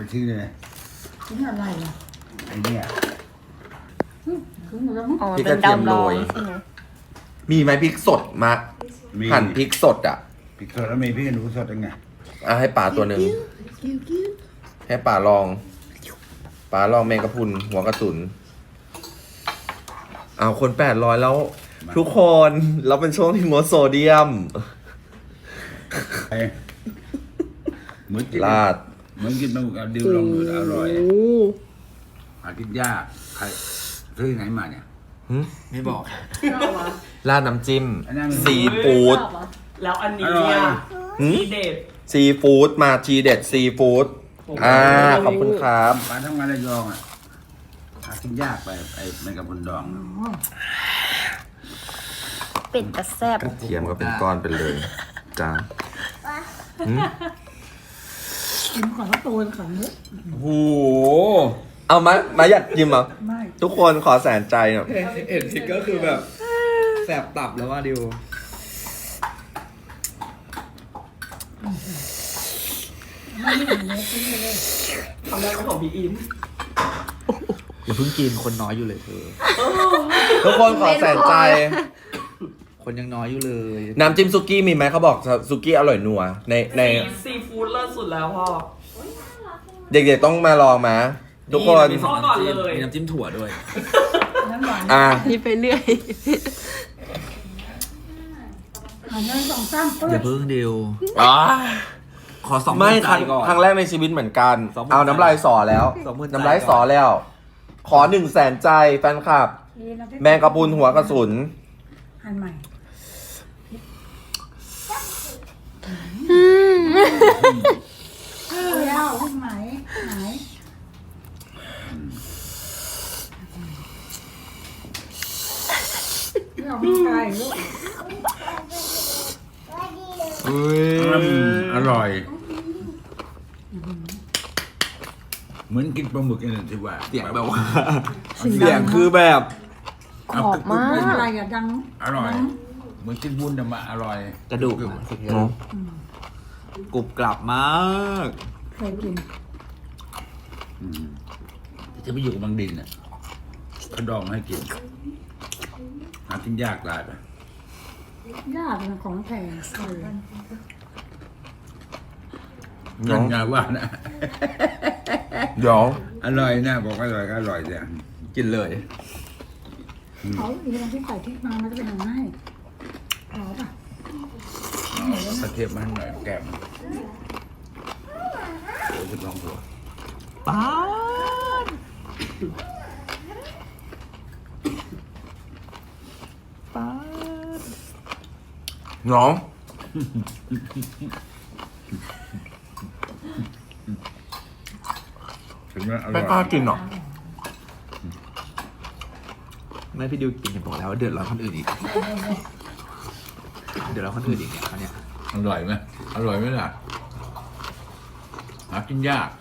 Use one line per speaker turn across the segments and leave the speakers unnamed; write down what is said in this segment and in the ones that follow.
ทิ้งเลย
ทิ้งอะไรอ่ะ
ไอ้เนี่ย
ทิ้งหมดแล้วมั้ง
อ๋อเป็นดาวร้อนใช่ไหม
มีไหมพริกสดมา
มี
หั่นพริกสดอ่ะ
พริกสดแล้วมีพริกขี้หนูสดยังไง
อ่ะให้ป่าตัวหนึ่งให้ป่าลองป่าลองแมงกะพรุนหัวกระสุนเอาคน800แล้ว ทุกคนเราเป็นช่วงที่งดโซเดียม
ไอ้เหมือนกิน
ลาด
เหมือนกินปลาหมึกเอาดิวลองดูอร่อยหากินยากใครซื้อที่ไหนมาเนี่ย
ไม่บอก
ราดน้ำจิ้ม
อันนั้น
ซีฟู้ด
แล้วอันนี้
อร่อย
อ่ะ
หืม
ทีเด็ด
ซีฟู้ดมาทีเด็ดซีฟู้ดขอบคุณครับ
ปลาทำงานระยองอ่ะหากินยากไปไอ้แมงกะพรุนดอง
เป็ดกระแซบ
กระเทียมก็เป็นก้อนไปเลยจ้าหืม
กินก่อนแล้วตัวก่อนเยอะ
โอ้โห
เอามาอยากกินเหรอ
ไม่
ทุกคนขอแสนใจหน่อย
เห็นสิก็คือแบบแสบตับแล้วว่าดิว
ไม่เห็นเลยทิ้งไปเลย
ทำได้ก็ของพี่อิม
อย่าเพิ่งกินคนน้อยอยู่เลยเธอ
ทุกคนขอแสนใจ
คนยังน้อยอยู่เลย
น้ำจิ้มซุกี้มีไหมเขาบอกซุกี้อร่อยนัวใน
ซีฟู้ดเลิศสุดแล้วพ่อ
เด็กๆต้องมาลองมาทุกคน
มีสอง
ก่อน
น้ำจิ้ม
เลย
มีน้ำจิ้มถั่วด้วย
น้ำหวาน
อ่ะ
นี่ไปเรื่อย
หันหน้าสองซ้ำ
อย่าเพิ่งดิว
อ๋อ
ขอสอง
ไม่
ใจก่อน
ครั้งแรกในชีวิตเหมือนกัน
20,000
เอาน้ำลายสอแล้ว
20,000
น้ำลายสอแล้ว ขอ100,000 ใจแฟนคลับ แมงกะพรุนหัวกระสุน
หันใหม่แล้วลูกไหนไหนไม่ออกกำลังกายลูก
อร่อย เหมือนกินปลาหมึกนี่ที่ว่า
เสียงแบบว่า เสียงคือแบบ
กรอบมาก
เป็นอะไรอ่ะดัง
อร่อย เหมือนกินวุ้นแต่มาอร่อย
กระดูกกรุบกรับมาก
เคยกิน
จะไปอยู่กับบางดินอ่ะเขาดองมาให้กินหากินยากตายไป
ยากนะของแพงเลย
นั่นไงว่านะ
เดี๋ยว
อร่อยนะบอกอร่อยก็อร่อยจ้ะ
กินเลย
เขาอีกอย่างที่ใส่ที่มามันจะเป็นยังไงเอาป่ะ
เอากระเทียมมาให้หน่อยแก้มโอ้ยคุณลองดู
ป้าป้า
น้อง
ถึงว่าอร่
ไม่
อย
กล้ากินหรอ
ไม่พี่ดิวกินเห็นบอกแล้วว่าเดือดร้อนคนอื่นอีก เดือดร้อนคนอื่นอีกเนี่ยเขาเนี่ย
อร่อยไหมอร่อยไหมล่ะหากินยาก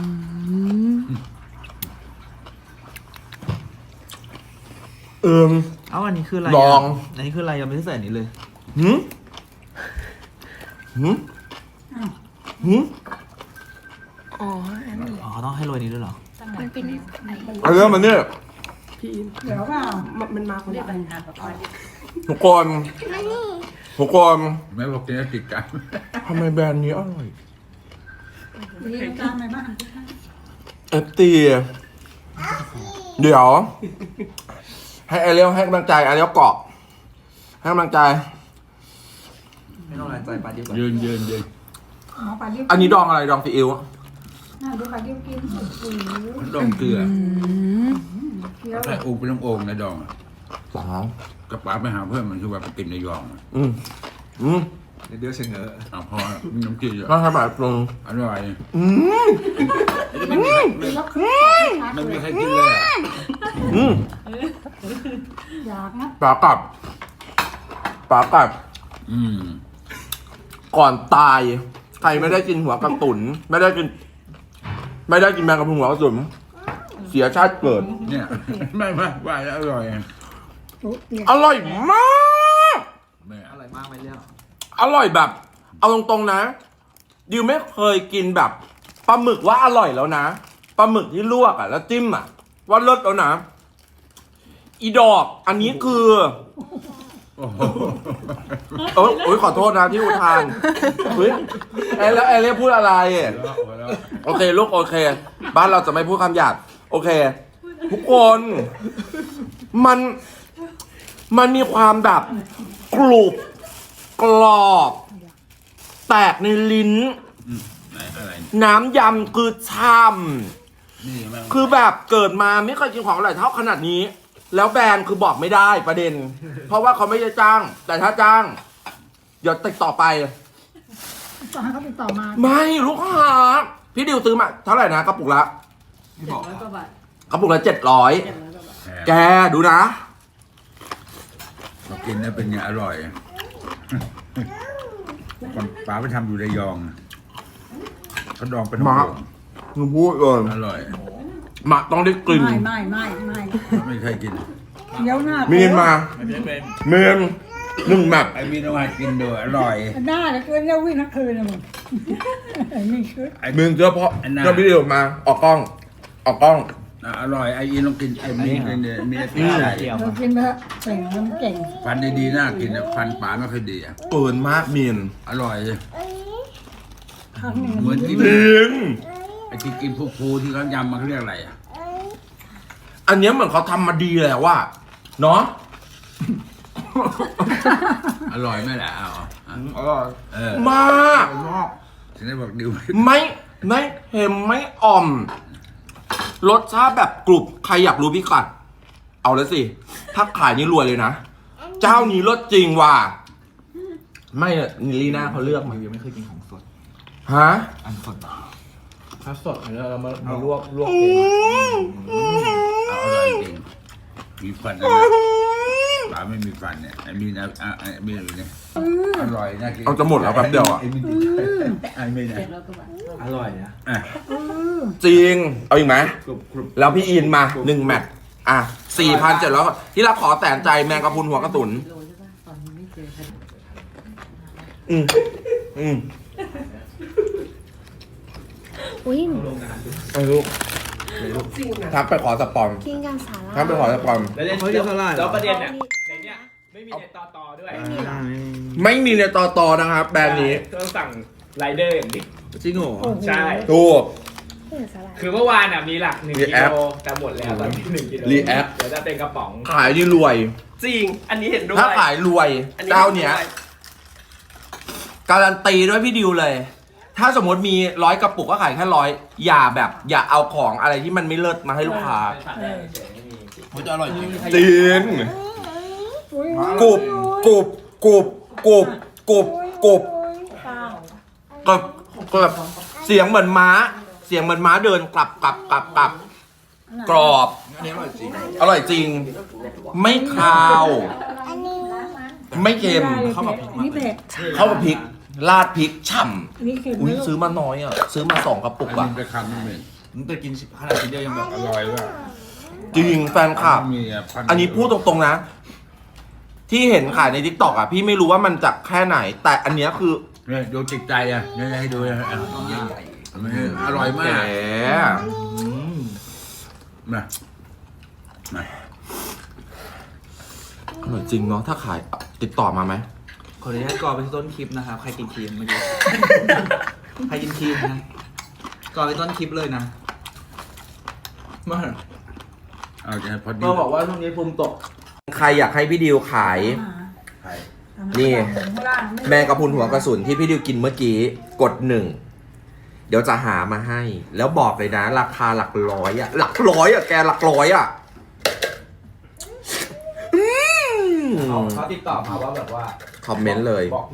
เอ้าอันนี้คืออะไร
ลอง
อันนี้คืออะไรยังไม่ได้ใส่อันนี้เลย
หืมหืมหืม
อ๋ออันนี้
อ๋อเขาต้องให้โรยนี้ด้วยเหรอ
มันเป็น
เอาเรื่องมันเนี่ย
เดี๋ยวเปล่า
มันมาคนเดียวกันนะ
ทุกคนทุกคน
แม่บอกกินแล้วติดกัน
ทำไมแบรนด์นี้อร่อย
มีน้ำตาลไหมบ้าง
เอฟตีเดี๋ยว ให้ไอเลี้ยวให้กำลังใจไอเลี้ยวเกาะ ให้กำลังใจ
ไม่ต้องแรงใจปลาดิวก่อน
ยืน
หมอปลาดิ้ว
อันนี้ดองอะไรดองซีอิ๊ว
น่าดูปลาดิ้วกินโอ้โห
มันดองเกลือ
เคี้ยว
ใส่โอ่งเป็นน้ำโอ่งในดองอะ
สาว
กระป๋าไปหาเพื่อนมันคือว่าไปกินในยองอะ
อืม
เดี๋ยวเชงเงอ
เอาพอมีน้ำจิ้มอะ
มาทำแบบปรุง
อร่อย
อืม
ไม่มีใครกินเลยอะ
อืม
อยากนะ
ปลากลับ
อืม
ก่อนตาย ใครไม่ได้กินหัวกระตุนไม่ได้กินแมงกะพรุนหัวกระสุนเสียชาติเกิด
เนี่ย ไม่ว่าแล้วอร่อยอะ
โอ้เปียก
อร่อยมาก
แม่
อร่อยมากไหมเลี้ยว
อร่อยแบบ เอาตรงๆนะดิวไม่เคยกินแบบปลาหมึกว่าอร่อยแล้วนะปลาหมึกที่ลวกอ่ะแล้วจิ้มอ่ะว่าเลิศแล้วนะอีดอกอันนี้คือ
โอ้โห
โอ้ยขอโทษนะที่อุทานเฮ้ยแล้วเรียกพูดอะไร โอเคลูกโอเค บ้านเราจะไม่พูดคำหยาบโอเค ทุกคนมันมีความแบบกรุบกรอบ แตกในลิ้น
ไหนอะไร
น้ำยำคือช่ำ
นี่มัน
คือแบบเกิดมาไม่เคยกินของอร่อยเท่าขนาดนี้ แล้วแบรนด์คือบอกไม่ได้ประเด็น เพราะว่าเขาไม่ได้จ้าง แต่ถ้าจ้าง เดี๋ยวติดต่อไป
ต่อให้เขาติดต่อมา
ไม่ลูกค้าพี่ดิวซื้อมาเท่าไหร่นะกระปุกละ
ไม่บอก
700 กว่าบาท
กระปุกละ700
700 กว่าบาท
แกดูนะ
เรากินแล้วเป็นไงอร่อยก่อนป๋าไปทำอยู่ระยองเขาดองเป็น
มา หนูพูดเลย
อร่อย
หมักต้องได้กลิ่น
ไม่
ไม่เคยกิน
เดี๋ยวหน้า
มีนมา
ไม่เป็น
เมืองหนึ่งแมป
ไอ้มีนเอามากินด้วยอร่อย
หน้าแล้วคืนเนี่ยวิ่งทั้งคืนเลยมึงมีชุด
ไอ้
เมืองเจอเพราะ
อันนั้น
เจ้าพี่ดิวมาออกกล้อง ออกกล้อง
อร่อยไอ้อีนลองกินไอ้มีกินเนี่ยมีอะไร
นี่
ใส่
เกี่ยว
เรากินไปเถอะเก่งมันเก่ง
ฟันดีๆน่ากินนะฟันป๋าไม่ค่อยดีอ่ะ
เปินมากมีน
อร่อยเลย
ครั้งหนึ่ง
เหมือนที่
จริง
ไอ้ที่กินฟูๆที่เขายำมันเขาเรียกอะไรอ่ะ
อันเนี้ยเหมือนเขาทำมาดีแล้วว่าเนาะ
อร่อยไหมล่ะเอา
อร่อย
เออ
มาก
ชอบ
ฉันได้บอกดิว
ไม่เค็มไม่อ่อม รสชาติแบบกรุบใครอยากรู้พี่กัด เอาเลยสิ ถ้าขายนี่รวยเลยนะ เจ้านี้รสจริงว่ะไม่อะลีน่าเขาเลือกมา
ยังไม่เคยกินของสด
ฮะ
อันสด
ถ้าสดแล้วเรามาลวก
อื
เอง
ม
เอาอร่อยจริงมีฟันนะป๋าไม่มีฟันเนี่ยไอ้มีนะไอ้มีอะไรเนี่ยอร่อยน่ากิน
เอาจะหมดแล้วแป๊บเดียวอ่ะ
ไอ้มีไอ้มีนะ
อร่อยนะ
อ่ะ
จริง เอาอีกไหม
กรุบกรุบ
แล้วพี่อินมา1 แมตช์อ่ะ 4,700ที่เราขอแสนใจแมงกะพรุนหัวกระสุนอืมอืม
อุ้ย
ไอ้ลูกทักไปขอสปอน
กินกันสาระ
ทักไปขอสปอน
แล้วแล้วประเด็นเนี่ย
ในเนี้ยไม่มีในต่อด้วย
ไม่มีในต่อนะครับ แบรนด์นี้
ต้องสั่งไรเดอร์อย่างเดียว
จริงเหรอ
ใช่
ถูก
กินสาระ
คือเมื่อวานอ่ะมีหลัก1 กิ
React
โลแต่หมดแล้วตอนนี้1 กิโล
React
เดี๋ยวจะเป็นกระป๋อง
ขายนี่รวย
จริง อันนี้เห็นด้วย
ถ้าขายรวย
อันนี้
เจ้าเนี้ย การันตีด้วยพี่ดิวเลย ถ้าสมมติมี100 กระปุกก็ขายแค่100อย่าเอาของอะไรที่มันไม่เลิศมาให้ลูกค้า
มันจะอร่อยจริง
จริงกรุบกรุบกรุบกรุบกรุบกรุบก็แบบเสียงเหมือนม้า เสียงเหมือนม้าเดินกลับกรอบ
อันนี้อร่อยจริง
อร่อยจริง ไม่คาว ไม่เค็ม
เข้ากับพริกนี่เผ็ด
เข้ากับพริกราดพริกฉ่
อันนี้เค็ม
ำอุ้ยซื้อมาน้อยอ่ะ ซื้อมา2 กระปุก
อัน
อ่ะ
นี้ไปคำนึงเลย
มึงแต่กินขนาดชิ้นเดียวยังแบบ
อร่อยว่ะ
จริงแฟนคลับ
มีะพั
อันนี้พูดตรงๆนะ ที่เห็นขายใน TikTok อ่ะ พี่ไม่รู้ว่ามันจากแค่ไหน แต่อันเนี้ยคือ
เนี่ยดูจิตใจอ่ะเนี่ยให้ดูนะอ่ะอร่อยมา
แห
ก
ม
มามา
อร่อยจริงเนาะถ้าขายติดต่อมาไหม
ขออนุญาตกรอไปที่ต้นคลิปนะครับ ใครกินครีมเมื่อกี้ ใครกินครีมนะกรอไปต้นคลิปเลยนะมา
เอาจะพอดี
ก็บอกว่าช่วงนี้ภูมิตก
ใครอยากให้พี่ดิวขาย
ไข่
นี่ แมงกะพรุนหัวกระสุนที่พี่ดิวกินเมื่อกี้กด 1 เดี๋ยวจะหามาให้ แล้วบอกเลยนะ ราคาหลักร้อยอะหลักร้อยอะแกหลักร้อยอะ
เขาติดต่อมาว่าแบบว่า
คอมเมนต์เลย
บอก